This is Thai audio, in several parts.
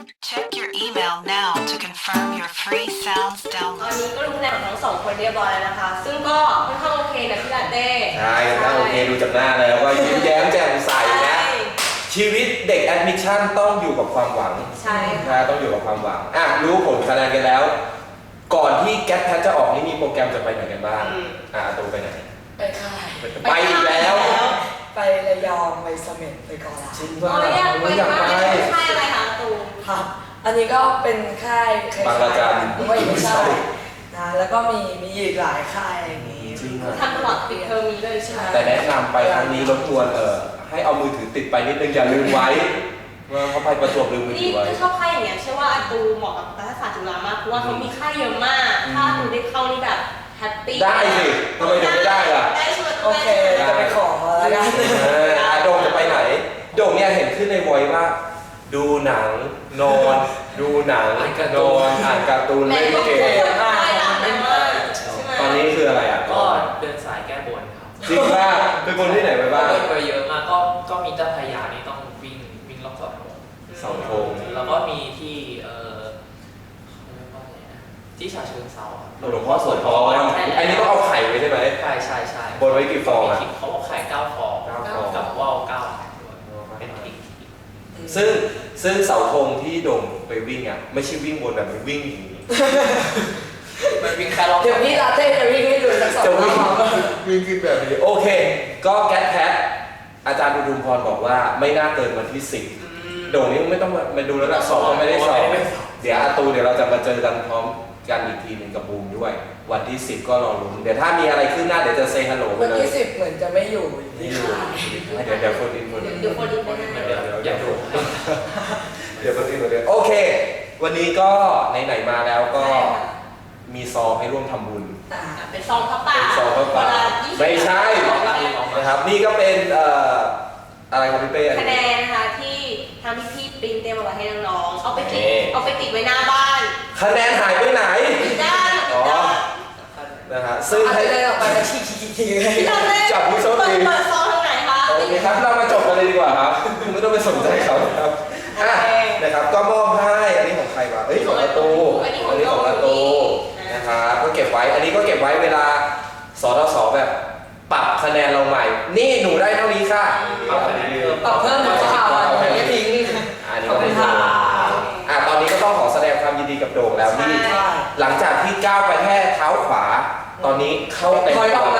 Check your email now to confirm your free sounds ตอน download. นี้ก็รู้คะแนนของทั้งสองคนเรียบร้อยแล้วนะคะ ซึ่งก็ค่อนข้างโอเคนะพี่ลาเต้ใช่ถ้าโอเคดูจากหน้าแล้วก็ยิ้มแย้มแจ่มใสนะชีวิตเด็กแอดมิชชั่นต้องอยู่กับความหวังใช่นะต้องอยู่กับความหวังรู้ผลคะแนนกันแล้ว ก่อนที่แก๊ปแพทจะออกนี่มีโปรแกรมจะไปไหนกันบ้างตูไปไหนไปค่ายไปอีกแล้วไประยองไปเสม็ดไปเกาะล้านจริงว่าเราอยากไปอยากมากไปใช่อะไรคะตูมครับอันนี้ก็เป็นค่ายคล้ายๆบางระจันไม่ใช่นะแล้วก็มีอีกหลายค่ายอะไรอย่างนี้จริงอ่ะทำตลอดปิดเทอมนี้เลยใช่ไหมแต่แนะนำไปครั้งนี้รบกวนให้เอามือถือติดไปนิดนึงอย่าลืมไว้ว่าเขาไปประจวบลืมมือถืนี่อไว้ชอบค่ายอย่างเงี้ยเชื่อว่าอาตูเหมาะกับรัฐศาสตร์จุฬามากเพราะว่าเขามีค่ายเยอะมาก ถ้าตูได้เข้านี่แบบแฮปปี้ได้สิทำไมถึงไม่ได้ล่ะได้ชวนโอเคจะไปขอแล้วกันโดงจะไปไหนโดงเนี่ยเห็นขึ้นในวอยว่า ดูหนังนอนดูหนังนอนอ่านการ์ตูนแม่เล่นก็เกเคยมค่ายดังมากใช่ไหมตอนนี้คืออะไรอ่ะก็เดินสายแก้บนครับจริงป่ะเป็นคนที่ไหนไปบ้างเดินไปเยอะมากก็มีเจ้าพระยานี่ต้องวิ่งรอบเสาธงเสาธงแล้วก็มีที่เขาเรียกว่าอะไรนะที่ฉะเชิงเทราครับหลวงพ่อโสธรอันนี้ต้องเอาไข่ไว้ใช่ไหมใช่บนไว้กี่ฟองอ่ะเขาบอกไข่9 ฟอง 9 ฟองกับว่าว9ไข่ด้วยเป็นทิกซึ่งเสาธงที่โด่งไปวิ่งอ่ะไม่ใช่วิ่งบนแบบมันวิ่งอย่างนี้มันวิ่งแค่รอบเดี๋ยวพี่ลาเต้จะวิ่งให้ดูสักสองจะรวิ่งอบวิ่งขึ้นแบบนี้โอเค ก็แก๊สแพทอาจารย์อุดมพรบอกว่าไม่น่าเกินวันที่10โด่งนี้ไม่ต้องมาดูแล้วละสอบก็ไม่ได้สอบเดี๋ยวอาตูเดี๋ยวเราจะมาเจอกันพร้อมกันอีกทีหนึ่งกับบูมด้วย วันที่10ก็รอลุ้นเดี๋ยวถ้ามีอะไรขึ้นหน้าเดี๋ยวจะเซฮัลโหลไปวันเลยที่10เหมือนจะไม่อยู่นี่อยู่เดี๋ยวคนอินเดี๋ยวคนดีไปนะเดี๋ยวอย่าดูเดี๋ยวคนอินคนเดียวโอเค วันนี้ก็ไหนๆมาแล้วก็มีซองให้ร่วมทำบุญเป็นซองพระป่าเป็นซองพระป่าเวล20 ไม่ใช่ นะครับนี่ก็เป็นอะไรครับพี่เป้คะแนนนะคะที่ทางพี่ๆปริ้นเตรียมเอาไว้ให้น้องๆเอาไปติดโอเคเอาไปติดไว้หน้าบ้านคะแนนหายไปไหนติดด้านติดด้านนะฮะซึ่งอาจให้จะเดินออกไปแล้วชี้เลยพี่ทำเลยจับผู้โชคดีเปิดซองทางไหนคะโอเคครับเรามาจบกันเลยดีกว่าครับไม่ต้องไปสนใจเขาครับอ่ะนะครับก็มอบให้อันนี้ของใครวะเอ้ยของอาตูอันนี้ของอาตูนะครับก็เก็บไว้อันนี้ก็เก็บไว้เวลาสทศแบบปรับคะแนนเราใหม่ นี่หนูได้เท่านี้ค่ะเอาคะแนนเพิ่มปรับเพิ่มหรือเปล่าอันนี้ทิ้งอันนี้ก็ไม่ทราบตอนนี้ก็ต้องขอแสดงความยินดีกับโด่งแล้วที่ใช่หลังจากที่ก้าวไปแค่เท้าขวา ตอนนี้เข้าเต็มถอยอตัอวกมา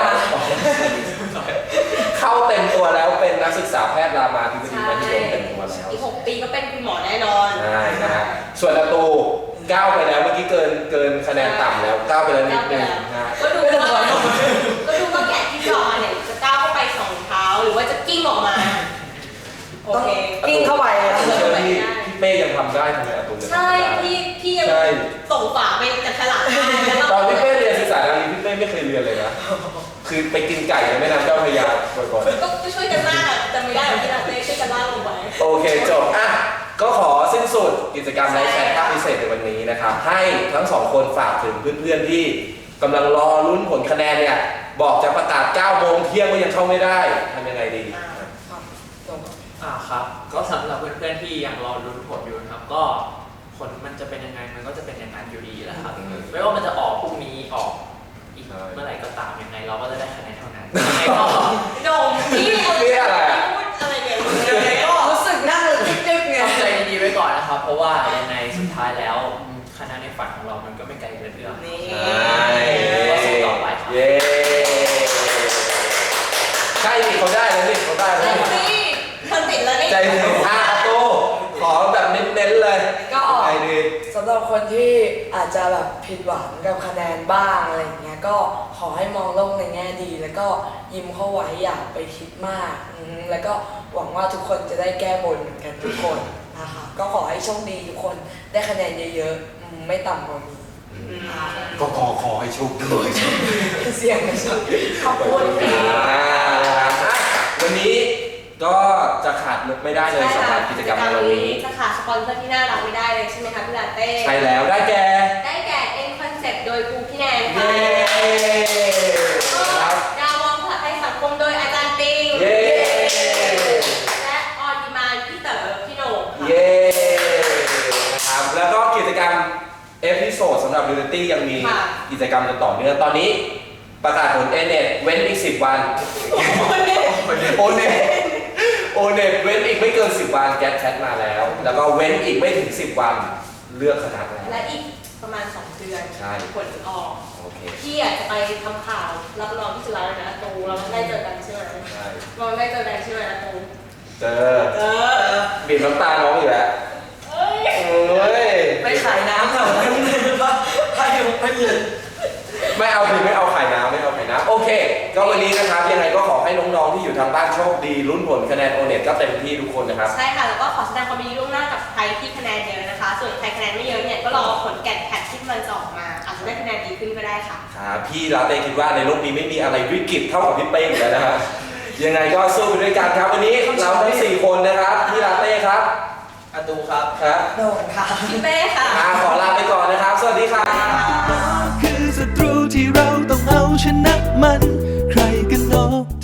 เข้าเต็มตัวแล้วเป็นนักศึกษาแพทย์รามาธิบดีมหิดลเต็มตัวแล้วอีก6 ปีก็เป็นคุณหมอแน่นอนใช่นะฮะส่วนประตูก้าวไปแล้วเมื่อกี้เกินคะแนนต่ำแล้วก้าวไปแล้วนิดนึงนะฮะก็ดูว่าแกะที่จอมาเนี่ยจะก้าวเข้าไป2 เท้าหรือว่าจะกิ้งออกมาโอต้องเคกิ้งเข้าไปแล้วเชื่อพี่เป้ยังทำได้ทำไมอาตูยังทำใช่ไม่ได้พี่ยังใช่ส่งฝาไปจับฉลากได้แล้วตอนพี่เป้เรียนศึกษาดารีพี่เป้ไม่เคยเรียนเลยนะคือไปกินไก่ในแม่น้ำเจ้าพระยาบ่อยๆก็ช่วยกันมากอะจำไม่ได้หรอกที่เราได้ช่วยกันลากลงไปโอเคจบก็ขอสิ้นสุดกิจกรรมไลฟ์แชทภาคพิเศษในวันนี้นะครับให้ทั้งสองคนฝากถึงเพื่อนๆที่กำลังรอลุ้นผลคะแนนเนี่ยบอกจะประกาศ9 โมงเที่ยงก็ยังเข้าไม่ได้ทำยังไงดีครับก็สำหรับเพื่อนๆที่ยังรอลุ้นผลอยู่นะครับก็ผลมันจะเป็นยังไงมันก็จะเป็นอย่างนั้นอยู่ดีแหละครับไม่ว่ามันจะออกพรุ่งนี้ออกอีกเมื่อไหร่ก็ตามยังไงเราก็จะได้คะแนนเท่านั้นยังไงก็โดมพี่พูดอะไรเนี่ยยังไงก็รู้สึกนั่งจึ๊กๆไงต้องใจดีๆไว้ก่อนนะครับ เพราะว่ายังไงสุดท้ายแล้วคะแนนในฝันของเรามันก็ไม่ไกลเกินเอื้อมนี่ก็สู้ต่อไปครับเย้ใช่ดิเขาได้แล้วนี่เขาได้แล้วนี่นี่เธอติดแล้วนี่ใจถึงโตขอแบบเน้นๆเลยก็ออกไงดีสำหรับคนที่อาจจะแบบผิดหวังกับคะแนนบ้างอะไรอย่างเงี้ยก็ขอให้มองโลกในแง่ดี แล้วก็ยิ้มเข้าไว้อย่าไปคิดมากแล้วก็หวังว่าทุกคนจะได้แก้บนเหมือนกันทุกคนนะคะก็ขอให้โชคดีทุกคนได้คะแนนเยอะๆไม่ต่ำกว่ามีก็ขอให้โชคดีเสียงไม่ใช่ขอบคุณพี่วันนี้ก็จะขาดไม่ได้เลยสำหรับกิจกรรมในวันนี้จะขาดสปอนเซอร์ที่น่ารักไม่ได้เลยใช่ไหมคะพี่ลาเต้ใช่แล้วได้แก่ได้แก่ N Concept โดยครูพี่แนนเย้ค่ะครับดาวมองภาษาไทยสังคมโดยอาจารย์ปิงเย้และออนดีมานพี่เต๋อพี่โหน่งค่ะเย้โซดสำหรับ Reality ยังมีค่ะกิจกรรมกันต่อเนื่องตอนนี้ประกาศผล A-NET เว้นอีก 10 วัน O-NET เว้นอีกไม่เกิน 10 วันแก๊สแชทมาแล้ว แล้วก็เว้นอีกไม่ถึง 10 วันเลือกคณะแล้วและอีกประมาณ 2 เดือนใช่ผลออกโอเคพี่อยากจะไปทำข่าวรับรองที่จุฬาแล้วนะตูเราได้เจอกันใช่ไหมใช่เราได้เจอกันใช่ไหมตูเจอบีบน้ำตาน้องอยู่แล้วเอ้ยเฮ้ยไปขายน้ำแถวนั้นเลยว่าถ้าอยู่ไม่เย็นไม่เอาคือไม่เอาไข่น้ำไม่เอาไข่น้ำโอเค ก็วันนี้นะครับยังไงก็ขอให้น้องๆที่อยู่ทางบ้านโชคดีลุ้นผลคะแนน O-NET ก็เต็มที่ทุกคนนะครับใช่ค่ะ แล้วก็ขอแสดงความยินดีล่วงหน้ากับใครที่คะแนนเยอะนะคะ ส่วนใครคะแนนไม่เยอะเนี่ยก็รอผลแกนแพทที่มันจะออกมา อาจจะได้คะแนนดีขึ้นก็ได้ค่ะครับพี่ลาเต้คิดว่าในโลกนี้ไม่มีอะไรวิกฤตเท่ากับพี่เป้งแล้วนะครับยังไงก็สู้ไปด้วยกันครับวันนี้เราทั้ง4คนนะครับพี่ลาเต้ครับอาตูครับครับโดนค่ะพี่เป้ค่ะขอลาไปก่อนนะครับ สวัสดีครับคือศัตรูที่เราต้องเอาชนะมัน ใครกันเนาะ